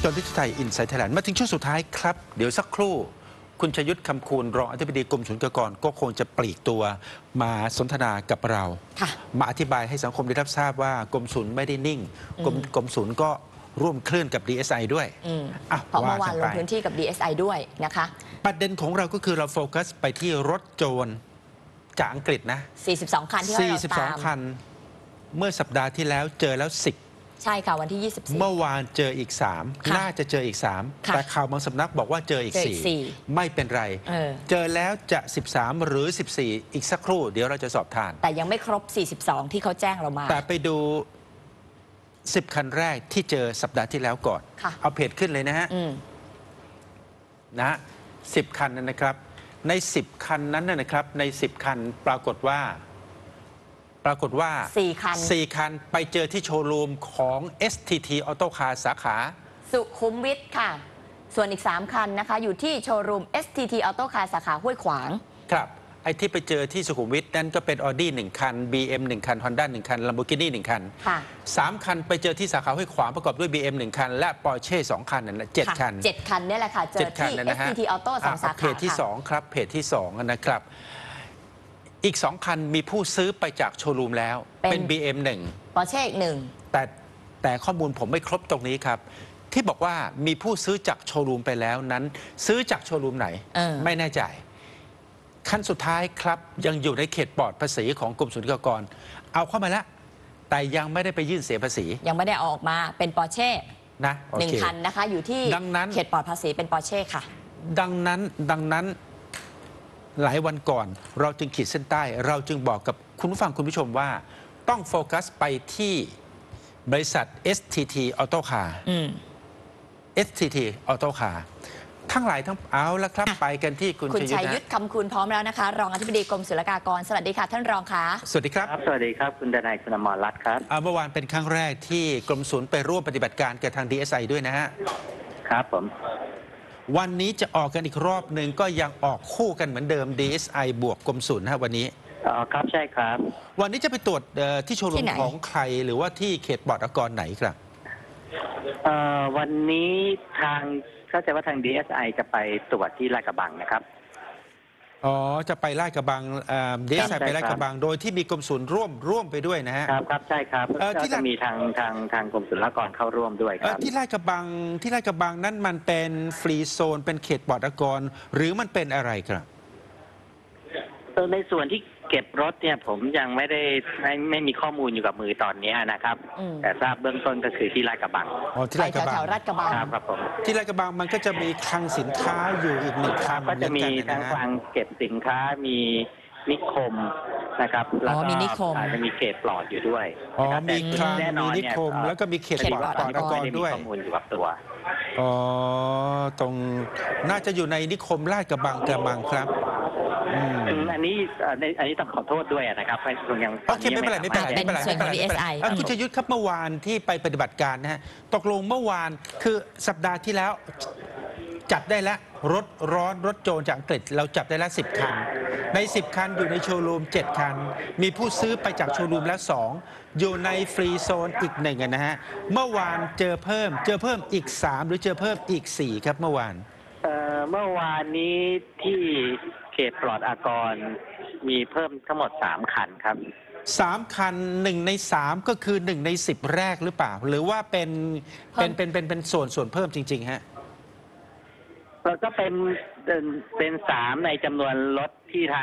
อนที่ไทยอินไซต์ไทยแลนด์มาถึงช่วงสุดท้ายครับเดี๋ยวสักครู่คุณชยุทธคำคูณรองอธิบดีกรมศุลกากรก็คงจะปลีกตัวมาสนทนากับเรามาอธิบายให้สังคมได้รับทราบว่ากรมศุลไม่ได้นิ่งกรมศุลก็ร่วมเคลื่อนกับ DSI ด้วยเพราะเมื่อวานลงพื้นที่กับ DSI ด้วยนะคะประเด็นของเราก็คือเราโฟกัสไปที่รถโจรจากอังกฤษนะ 42 คันที่เราตาม 42 คันเมื่อสัปดาห์ที่แล้วเจอแล้ว10 ใช่ค่ะวันที่24 เมื่อวานเจออีก3น่าจะเจออีก3แต่ข่าวบางสำนักบอกว่าเจออีก4ไม่เป็นไรเจอแล้วจะ13หรือ14อีกสักครู่เดี๋ยวเราจะสอบทานแต่ยังไม่ครบ42ที่เขาแจ้งเรามาแต่ไปดู10คันแรกที่เจอสัปดาห์ที่แล้วก่อนเอาเพจขึ้นเลยนะฮะ10คันนั้นนะครับใน10คันนั้นนะครับใน10คันปรากฏว่า4 คันไปเจอที่โชว์รูมของ STT Auto Car สาขาสุขุมวิทค่ะส่วนอีก3คันนะคะอยู่ที่โชว์รูม STT Auto Car สาขาห้วยขวางครับไอ้ที่ไปเจอที่สุขุมวิทนั่นก็เป็น Audi 1 คัน BM 1 คัน Honda 1 คัน Lamborghini 1 คัน3 คันไปเจอที่สาขาห้วยขวางประกอบด้วย BM 1 คันและ Porsche 2 คันนั่นแหละ7 คัน 7 คันนี่แหละค่ะเจอที่ STT Auto 2 สาขาเพจที่2ครับเพจที่2นะครับอีก2 คันมีผู้ซื้อไปจากโชว์รูมแล้วเป็น BM 1 Porsche อีก1 แต่ข้อมูลผมไม่ครบตรงนี้ครับที่บอกว่ามีผู้ซื้อจากโชว์รูมไปแล้วนั้นซื้อจากโชว์รูมไหนไม่แน่ใจขั้นสุดท้ายครับยังอยู่ในเขตปลอดภาษีของกรมศุลกากรเอาเข้ามาแล้วแต่ยังไม่ได้ไปยื่นเสียภาษียังไม่ได้ออกมาเป็นปอร์เช่นะ 1 คันนะคะอยู่ที่เขตปลอดภาษีเป็นปอร์เช่ค่ะดังนั้นหลายวันก่อนเราจึงขีดเส้นใต้เราจึงบอกกับคุณผู้ฟังคุณผู้ชมว่าต้องโฟกัสไปที่บริษัท STT Auto Car STT Auto Car ทั้งหลายทั้งเอาละครับไปกันที่คุณชัยยุทธคำคูณพร้อมแล้วนะคะรองอธิบดีกรมศุลกากรสวัสดีค่ะท่านรองคะสวัสดีครับสวัสดีครับคุณดนัยคุณอมรรัตน์ครับเมื่อวานเป็นครั้งแรกที่กรมศุลไปร่วมปฏิบัติการกับทาง DSI ด้วยนะฮะครับผมวันนี้จะออกกันอีกรอบหนึ่งก็ยังออกคู่กันเหมือนเดิม DSI บวกกรมศุลนะวันนี้ครับใช่ครับวันนี้จะไปตรวจที่โชว์รูมของใครหรือว่าที่เขตปลอดอากรไหนครับวันนี้ทางเข้าใจว่าทาง DSI จะไปตรวจที่ลาดกระบังนะครับจะไปลาดกระบังDSI ไปลาดกระบังโดยที่มีกรมศุลร่วมไปด้วยนะฮะครับใช่ครับที่จะมีทางกรมศุลกากรเข้าร่วมด้วยครับที่ลาดกระบังนั้นมันเป็นฟรีโซนเป็นเขตปลอดอากรหรือมันเป็นอะไรครับในส่วนที่เก็บรถเนี่ยผมยังไม่มีข้อมูลอยู่กับมือตอนนี้นะครับแต่ทราบเบื้องต้นก็คือที่ลาดกระบังที่ลาดกระบังลาดกระบังครับผมที่ลาดกระบังมันก็จะมีคลังสินค้าอยู่อีก1 คลังก็จะมีทั้งคลังเก็บสินค้ามีนิคมนะครับแล้วก็อาจจะมีเขตปลอดอยู่ด้วยมีคลังมีนิคมแล้วก็มีเขตปลอดอากรด้วยข้อมูลอยู่กับตัวตรงน่าจะอยู่ในนิคมลาดกระบังกระมังครับอันนี้ต้องขอโทษด้วยนะครับยังโอเคไม่เป็นไรคุณชยุทธครับเมื่อวานที่ไปปฏิบัติการนะฮะตกลงเมื่อวานคือสัปดาห์ที่แล้วจับได้แล้วรถโจรจากอังกฤษเราจับได้แล้ว10 คันใน10 คันอยู่ในโชว์รูม7 คันมีผู้ซื้อไปจากโชว์รูมแล้ว2อยู่ในฟรีโซนอีก1นะฮะเมื่อวานเจอเพิ่มอีก3หรือเจอเพิ่มอีก4ครับเมื่อวานนี้ที่เขตปลอดอากรมีเพิ่มทั้งหมด3 คันครับ 3 คัน1 ใน 3ก็คือ1 ใน 10แรกหรือเปล่าหรือว่าเป็นส่วนเพิ่มจริงๆฮะก็เป็น3ในจำนวนรถที่ทาง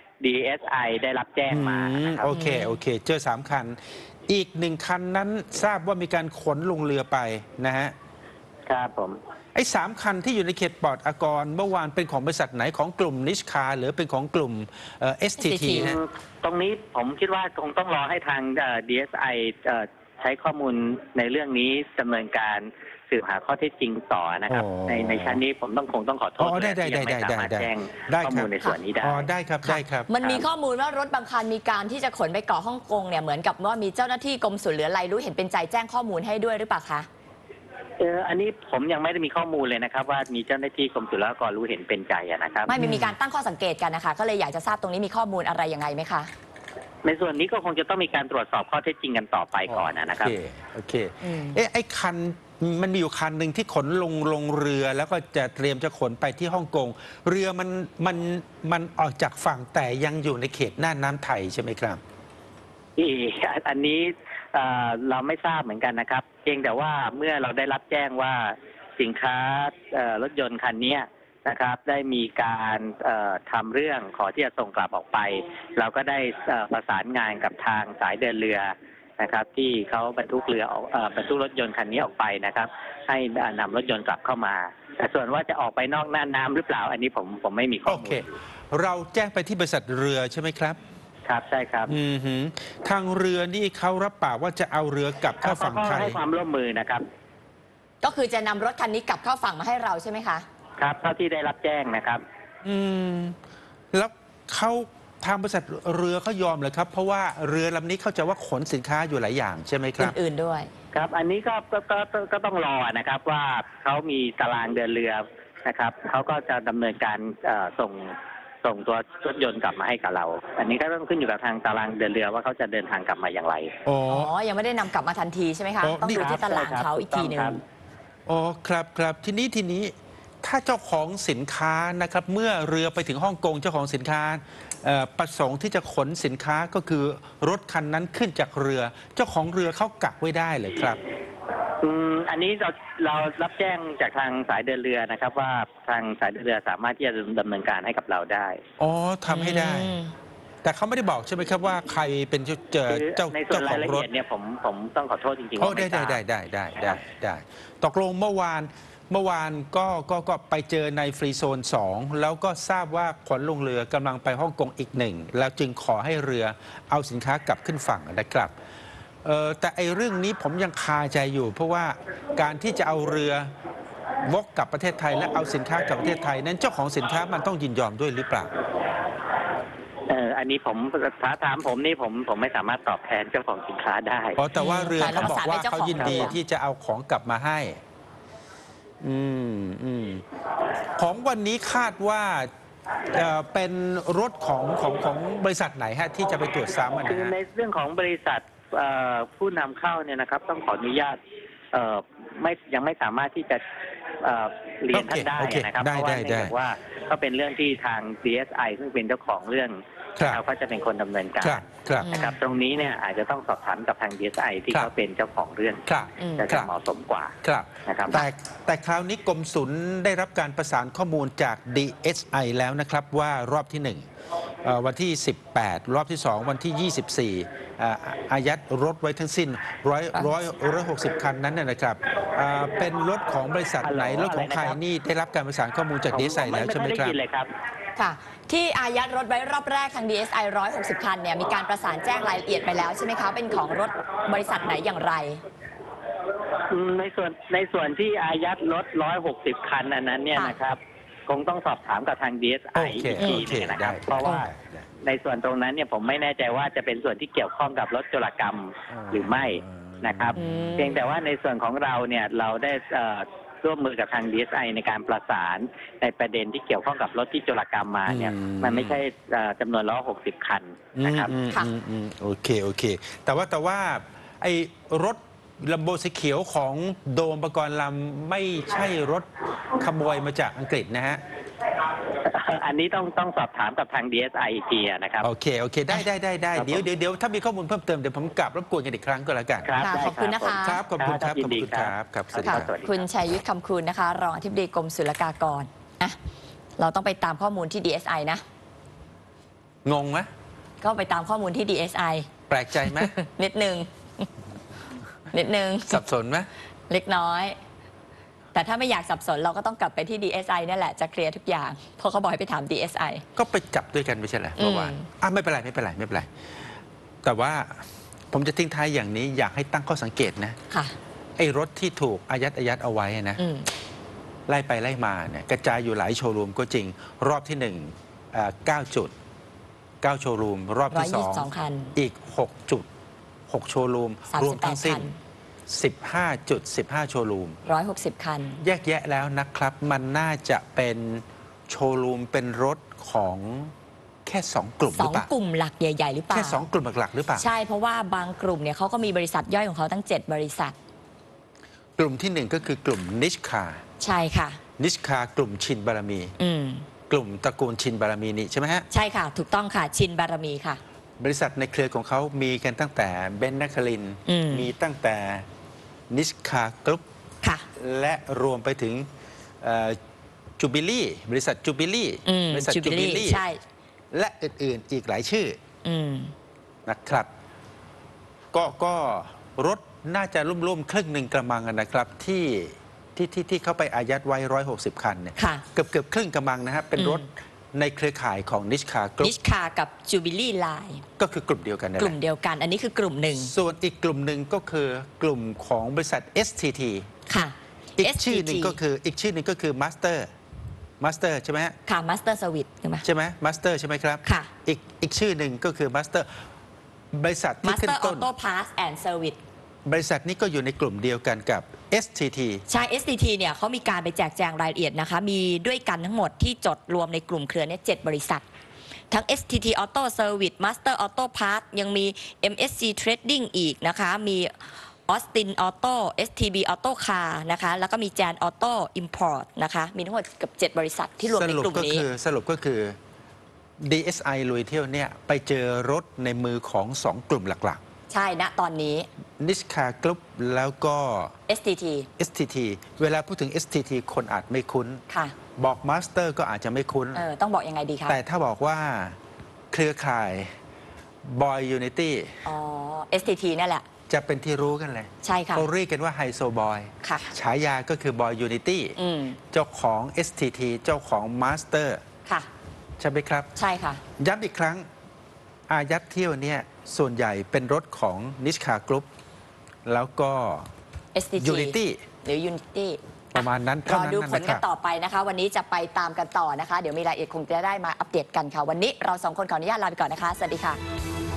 DSI ได้รับแจ้งมาโอเคเจอ3 คันอีก1 คันนั้นทราบว่ามีการขนลงเรือไปนะฮะครับผมไอ้3 คันที่อยู่ในเขตปลอดอากรเมื่อวานเป็นของบริษัทไหนของกลุ่มนิชคาหรือเป็นของกลุ่มSTT ฮะตรงนี้ผมคิดว่าคงต้องรอให้ทาง DSI ใช้ข้อมูลในเรื่องนี้ดำเนินการสืบหาข้อเท็จจริงต่อนะครับในชั้นนี้ผมคงต้องขอโทษที่ยังไม่สามารถแจ้งข้อมูลในส่วนนี้ได้ได้ครับมันมีข้อมูลว่ารถบางคันมีการที่จะขนไปเกาะฮ่องกงเนี่ยเหมือนกับว่ามีเจ้าหน้าที่กรมศุลหรืออะไรรู้เห็นเป็นใจแจ้งข้อมูลให้ด้วยหรือเปล่าคะอันนี้ผมยังไม่ได้มีข้อมูลเลยนะครับว่ามีเจ้าหน้าที่กรมศุลกากรรู้เห็นเป็นใจนะครับไม่มีการตั้งข้อสังเกตกันนะคะก็เลยอยากจะทราบตรงนี้มีข้อมูลอะไรยังไงไหมคะในส่วนนี้ก็คงจะต้องมีการตรวจสอบข้อเท็จจริงกันต่อไปก่อนนะครับโอเคไอ้คันมันมีอยู่คันหนึ่งที่ขนลงเรือแล้วก็จะเตรียมจะขนไปที่ฮ่องกงเรือมันออกจากฝั่งแต่ยังอยู่ในเขตน่านน้ำไทยใช่ไหมครับอันนี้เราไม่ทราบเหมือนกันนะครับเพียงแต่ว่าเมื่อเราได้รับแจ้งว่าสินค้ารถยนต์คันนี้นะครับได้มีการทำเรื่องขอที่จะส่งกลับออกไป เราก็ได้ประสานงานกับทางสายเดินเรือนะครับที่เขาบรรทุกเรือออกบรรทุกรถยนต์คันนี้ออกไปนะครับให้นำรถยนต์กลับเข้ามาแต่ส่วนว่าจะออกไปนอกน่านน้ำหรือเปล่าอันนี้ผมไม่มีข้อโอมูเคลเราแจ้งไปที่บริษัทเรือใช่ไหมครับครับใช่ครับทางเรือนี่เขารับปากว่าจะเอาเรือกลับเข้าฝั่งไทยให้ความร่วมมือนะครับก็คือจะนำรถคันนี้กลับเข้าฝั่งมาให้เราใช่ไหมคะครับเท่าที่ได้รับแจ้งนะครับแล้วเขาทางบริษัทเรือเขายอมเลยครับ เพราะว่าเรือลำนี้เข้าใจว่าขนสินค้าอยู่หลายอย่างใช่ไหมครับอื่นๆด้วยครับอันนี้ก็ต้องรอนะครับว่าเขามีตารางเดินเรือนะครับเขาก็จะดำเนินการส่งตัวรถยนต์กลับมาให้กับเรา อันนี้ก็ต้องขึ้นอยู่กับทางตารางเดินเรือว่าเขาจะเดินทางกลับมาอย่างไรอ๋อยังไม่ได้นำกลับมาทันทีใช่ไหมคะ ต้องดูที่ตลาดเขาอีกทีหนึ่งอ๋อครับทีนี้ถ้าเจ้าของสินค้านะครับเมื่อเรือไปถึงฮ่องกงเจ้าของสินค้าประสงค์ที่จะขนสินค้าก็คือรถคันนั้นขึ้นจากเรือเจ้าของเรือเขากักไว้ได้เลยครับอันนี้เรารับแจ้งจากทางสายเดินเรือนะครับ ว่าทางสายเดินเรือสามารถที่จะดำเนินการให้กับเราได้อ๋อทำให้ได้ แต่เขาไม่ได้บอกใช่ไหมครับว่าใครเป็นเจ้าในส่วนขราอย งละรเอีถยดเนี่ยผมต้องขอโทษจริงๆโอ้ว่าไม่ทราบได้ตกลงเมื่อวานก็ไปเจอในฟรีโซน 2 แล้วก็ทราบว่าขนลงเรือกำลังไปฮ่องกงอีกหนึ่งแล้วจึงขอให้เรือเอาสินค้ากลับขึ้นฝั่งนะครับแต่ไอ้เรื่องนี้ผมยังคาใจอยู่ เพราะว่าการที่จะเอาเรือวกกลับประเทศไทยและเอาสินค้ากลับประเทศไทยนั้นเจ้าของสินค้ามันต้องยินยอมด้วยหรือเปล่าอันนี้ถ้าถามผมนี่ผมไม่สามารถตอบแทนเจ้าของสินค้าได้แต่ว่าเรือเขาบอกว่าเขายินดีที่จะเอาของกลับมาให้ของวันนี้คาดว่าเป็นรถของบริษัทไหนฮะที่จะไปตรวจซ้ำนะคือฮะในเรื่องของบริษัทผู้นำเข้าเนี่ยนะครับต้องขออนุญาตยังไม่สามารถที่จะเรียนท่านได้นะครับเพราะว่าเนื่องจากว่าก็เป็นเรื่องที่ทาง DSI ซึ่งเป็นเจ้าของเรื่องเขาก็จะเป็นคนดำเนินการนะครับตรงนี้เนี่ยอาจจะต้องสอบถามกับทาง DSI ที่เขาเป็นเจ้าของเรื่องจะเหมาะสมกว่านะครับแต่คราวนี้กรมศุลได้รับการประสานข้อมูลจาก DSI แล้วนะครับว่ารอบที่1วันที่18รอบที่2วันที่24อายัดรถไว้ทั้งสิ้น160 คันนั้นนะครับเป็นรถของบริษัทไหนรถของใครนี่ได้รับการประสานข้อมูลจาก DSI แล้วใช่ไหมครับค่ะที่อายัดรถไว้รอบแรกทาง DSI 160 คันเนี่ยมีการประสานแจ้งรายละเอียดไปแล้วใช่ไหมคะเป็นของรถบริษัทไหนอย่างไรในส่วนที่อายัดรถ160 คันอันนั้นเนี่ยนะครับคงต้องสอบถามกับทาง DSI อีกทีนึงนะครับเพราะว่าในส่วนตรงนั้นเนี่ยผมไม่แน่ใจว่าจะเป็นส่วนที่เกี่ยวข้องกับรถโจรกรรมหรือไม่นะครับเพียงแต่ว่าในส่วนของเราเนี่ยเราได้ร่วมมือกับทาง DSI ในการประสานในประเด็นที่เกี่ยวข้องกับรถที่โจรกรรมมาเนี่ยมันไม่ใช่จำนวน160 คันนะครับโอเคแต่ว่าไอ้รถลัมโบสีเขียวของโดมปกรณ์ลำไม่ใช่รถขโมยมาจากอังกฤษนะฮะอันนี้ต้องสอบถามกับทาง DSI อีกทีนะครับโอเคได้เดี๋ยวถ้ามีข้อมูลเพิ่มเติมเดี๋ยวผมกลับรบกวนกันอีกครั้งก็แล้วกันขอบคุณนะคะครับขอบคุณครับสวัสดีครับคุณชัยยุทธคำคูณนะคะรองอธิบดีกรมศุลกากรเราต้องไปตามข้อมูลที่ DSI นะงงไหมก็ไปตามข้อมูลที่ DSI แปลกใจไหมนิดนึงสับสนไหมเล็กน้อยแต่ถ้าไม่อยากสับสนเราก็ต้องกลับไปที่ DSI นั่นแหละจะเคลียร์ทุกอย่างเพราะเขาบอกให้ไปถาม DSI ก็ไปจับด้วยกันไม่ใช่เหรอเมื่อวานไม่เป็นไรแต่ว่าผมจะทิ้งท้ายอย่างนี้อยากให้ตั้งข้อสังเกตนะค่ะไอ้รถที่ถูกอายัดเอาไว้นะไล่ไปไล่มาเนี่ยกระจายอยู่หลายโชว์รูมก็จริงรอบที่9 จุด9โชว์รูมรอบที่2อีก6 จุด6โชว์รูมรวมทั้งสิ้น15 จุด 15 โชว์รูม 160 คันแยกแยะแล้วนะครับมันน่าจะเป็นโชว์รูมเป็นรถของแค่2 กลุ่มหรือเปล่า 2 กลุ่มหลักใหญ่ๆหรือเปล่าแค่2 กลุ่มหลักหรือเปล่าใช่เพราะว่าบางกลุ่มเนี่ยเขาก็มีบริษัทย่อยของเขาตั้ง7 บริษัทกลุ่มที่หนึ่งก็คือกลุ่มนิชคาใช่ค่ะนิชคากลุ่มชินบารมี กลุ่มตระกูลชินบารมีนี่ใช่ไหมฮะใช่ค่ะถูกต้องค่ะชินบารมีค่ะบริษัทในเครือของเขามีกันตั้งแต่เบนซ์นครินทร์มีตั้งแต่นิชคากรุ๊ปค่ะและรวมไปถึงจูบิลี่บริษัทจูบิลี่บริษัทจูบิลี่ใช่และอื่นๆอีกหลายชื่อนะครับก็รถน่าจะร่วมๆครึ่งหนึ่งกระมังนะครับที่เข้าไปอายัดไว้160 คันเนี่ยค่ะเกือบครึ่งกระมังนะฮะเป็นรถในเครือข่ายของนิชคากรุ๊นิปชคากับจูบิลี่ไลน์ก็คือกลุ่มเดียวกันนั่นกแหลุ่มละเดียวกัน อันนี้คือกลุ่มหนึ่งส่วนอีกกลุ่มหนึ่งก็คือกลุ่มของบริษัท STT ค่ะอีก STT ชื่อหนึ่งก็คือมาสเตอร์ใช่ไหมฮะค่ะมาสเตอร์สวิตใช่ไหมใช่ไหมมาสเตอร์ใช่ไหมครับค่ะอีกชื่อหนึ่งก็คือมาสเตอร์บริษัทมาที่สขึ้เตอน ร์ออต้นโต้พาร์ทแอนด์เซอร์วิสบริษัทนี้ก็อยู่ในกลุ่มเดียวกันกับ STT ใช่ STT เนี่ยเขามีการไปแจกแจงรายละเอียดนะคะ มีด้วยกันทั้งหมดที่จดรวมในกลุ่มเครือเนี่ย7 บริษัท ทั้ง STT Auto Service Master Auto Parts ยังมี MSC Trading อีกนะคะ มี Austin Auto STB Auto Car นะคะ แล้วก็มี Jan Auto Import นะคะ มีทั้งหมดเกือบ7 บริษัทที่รวมในกลุ่มนี้สรุปก็คือ DSI ลุยเที่ยวเนี่ยไปเจอรถในมือของ 2 กลุ่มหลักใช่ณตอนนี้ๆนิชคากรุ๊ปแล้วก็ STT STT เวลาพูดถึง STT คนอาจไม่คุ้นค่ะบอกมาสเตอร์ก็อาจจะไม่คุ้นต้องบอกยังไงดีคะแต่ถ้าบอกว่าเครือข่ายบอยยูนิตี้อ๋อ STT นั่นแหละจะเป็นที่รู้กันเลยใช่ค่ะเขาเรียกกันว่าไฮโซบอยค่ะฉายาก็คือบอยยูนิตี้เจ้าของ STT เจ้าของมาสเตอร์ค่ะใช่ไหมครับใช่ค่ะย้ำอีกครั้งอายัดเที่ยวเนี่ยส่วนใหญ่เป็นรถของนิชคากรุ๊ปแล้วก็ STT Unity หรือ Unity ประมาณนั้นรเท่าอนั้นดูผลนะคกัรันบต่อไปนะคะ วันนี้จะไปตามกันต่อนะคะ เดี๋ยวมีรายละเอียดคงจะได้มาอัปเดตกันค่ะ วันนี้เรา 2 คนขออนุญาตลาไปก่อนนะคะ สวัสดีค่ะ